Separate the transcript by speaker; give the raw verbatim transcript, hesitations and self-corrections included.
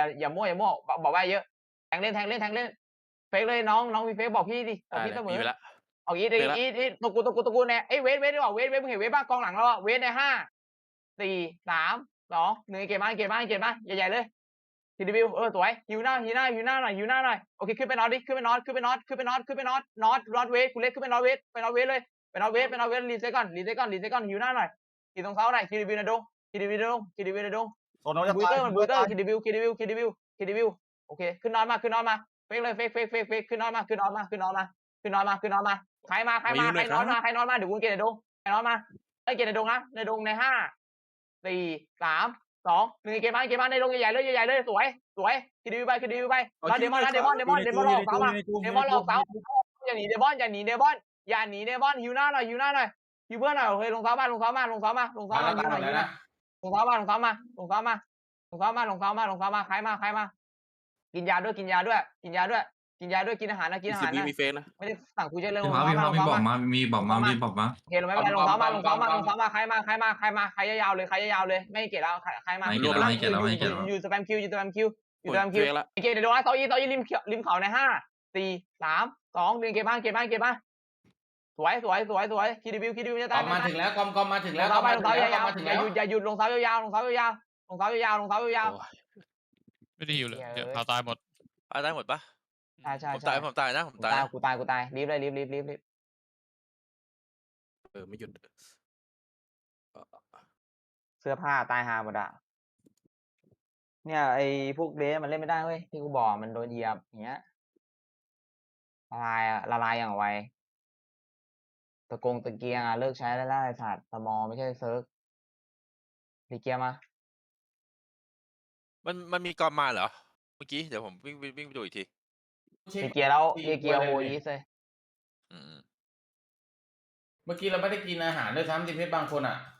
Speaker 1: อย่ามั่วอย่ามั่วบอกว่าเยอะแทงเล่นแทงเล่นแทงเล่นเฟกเลยน้องน้องมีเฟกบอกพี่ดิบอกพี่เสมอเอาอีทอีทอีทตะกูตะกูตะกูเนี่ยไอ้เวทเวทดีกว่าเวทเวทมึงเห็นเวทบ้างกองหลังเราอะเวทในห้าสี่สามสองหนึ่งเกมบ้านเกมบ้านเกมบ้านใหญ่ๆเลยทีดีวิวเออสวยฮิวหน้าฮิวหน้าฮิวหน้าหน่อยฮิวหน้าหน่อยโอเคขึ้นไปนอนดิขึ้นไปนอนขึ้นไปนอนขึ้นไปนอนขึ้นไปนอนนอนนอนเวทกูเล็กขึ้นไปนอนเวทไปนอนเวทเลยไปนอนเวทไปนอนเวทรีเซ็ตก่อนรีเซ็ตก่อนรีเซ็ตก่อนฮิวหน้าหน่อยทีตรงเสาหน่อยทีดีวิวนะดงทีดีวิวนะดงทีดีวิวนะดง
Speaker 2: โซนเราจะ
Speaker 1: บู
Speaker 2: ตา
Speaker 1: เต
Speaker 2: ย
Speaker 1: อร์มันบูเตอร์คิดดิวิวคิดดิวิวคิดดิวิวคิดดิวิวโอเคขึ้นนอนมาขึ้นนอนมาเฟกเลยเฟกเฟกเฟกเฟกขึ้นนอนมาขึ้นนอนมาขึ้นนอนมาขึ้นนอนมาขึ้นนอนมาใครมาใครมาใครนอนมาใครนอนมาเดี๋ยวกูเกณฑ์ในดงใครนอนมาไอ้เกณฑ์ในดงนะในดงในห้าสี่สามสองหนึ่งเกณฑ์มาเกณฑ์มาในดงใหญ่ๆเลยใหญ่ๆเลยสวยสวยคิดดิวิวไปคิดดิวิวไปแล้วเดมอนนะเดมอนเดมอนเดมอนหลอกเสามาเดมอนหลอกเสาอย่าหนีเดมอนอย่าหนีเดมอนอย่าหนีเดมอนฮิวหน้าหน่อยฮิวหน้าหน่อยฮิวเพื่อนหน่อยโอเคลงเสามาลงเสามาลงเสามาลงเสามาฮิวหน่อยฮิวหน่อยลงเสามาลงเสามาลงเสามาลงเท้ามาลงเท้ามาลงเท้ามาใครมาใครมากินยาด้วยกินยาด้วยกินยาด้วยกินยาด้วยกินอาหารนะกินอาหารนะ
Speaker 3: มีเฟซนะ
Speaker 1: ไม่ได้สั่งคุยเฉยเลยลง
Speaker 4: มา
Speaker 1: เท้า
Speaker 4: มี
Speaker 1: มาล
Speaker 4: มางมี
Speaker 1: เท้า
Speaker 4: บอก
Speaker 1: มา
Speaker 4: มามีบอกมามีบอกมา
Speaker 1: โอเคเราไม่เป็นไรลงเท้ามาลงเท้ามาลงเท้ามาใครมาใครมาใครมาใครยาวๆเลยใครยาวๆเลยไม่เกลียดแล้วใครมาอยู่สแปมคิวอยู่สแปมคิวอยู่สแปมคิวโอเคเดี๋ยวโดนเซาอีเซาอีริมริมเขาในห้าสี่สามสองหนึ่งเก็บบ้างเก็บบ้างเก็บบ้างสวยสวยสวยสวยคิดดิวิวคิดดิวิวจะตาย
Speaker 2: มาถึงแล้วกอมกอมมาถึงแล้ว
Speaker 1: ลงเท้าไปลงเท้ายาว
Speaker 2: มาถึง
Speaker 1: อย่า
Speaker 2: แล้ว
Speaker 1: หยุดอย่าหยุดลงเท้ายาวลงเท้ายาวลงเท้ายาวลงเท้ายาว
Speaker 5: ไม่ได้หิวเลยเดี๋ยวพาตายหมด
Speaker 3: ตายได้หมดปะ
Speaker 1: ใช่ใช่
Speaker 3: ผมตายผมตายนะผมตาย
Speaker 1: กูตายกูตายรีบเลยรีบรีบรีบรีบ
Speaker 3: เออไม่หยุด
Speaker 1: เสื้อผ้าตายหาหมดอ่ะเนี่ยไอ้พวกเดสมันเล่นไม่ได้เว้ยที่กูบอกมันโดนเหยียบอย่างเงี้ยละลายอ่ะละลายอย่างไวตะกงตะเกียงอ่ะเลิกใช้ได้แล้วไอ้สัตว์สมอไม่ใช่เซิร์ฟรีเกียร์มา
Speaker 3: มันมันมีกอมมาเหรอเมื่อกี้เดี๋ยวผมวิ่งวิ่งไปดูอีกที
Speaker 1: รีเกียร์แล้วรีเกียร์โออีสเลย
Speaker 3: อืม
Speaker 2: เมื่อกี้เราไม่ได้กินอาหารด้วยซ้ำทีมเพชรบางคนอ่ะ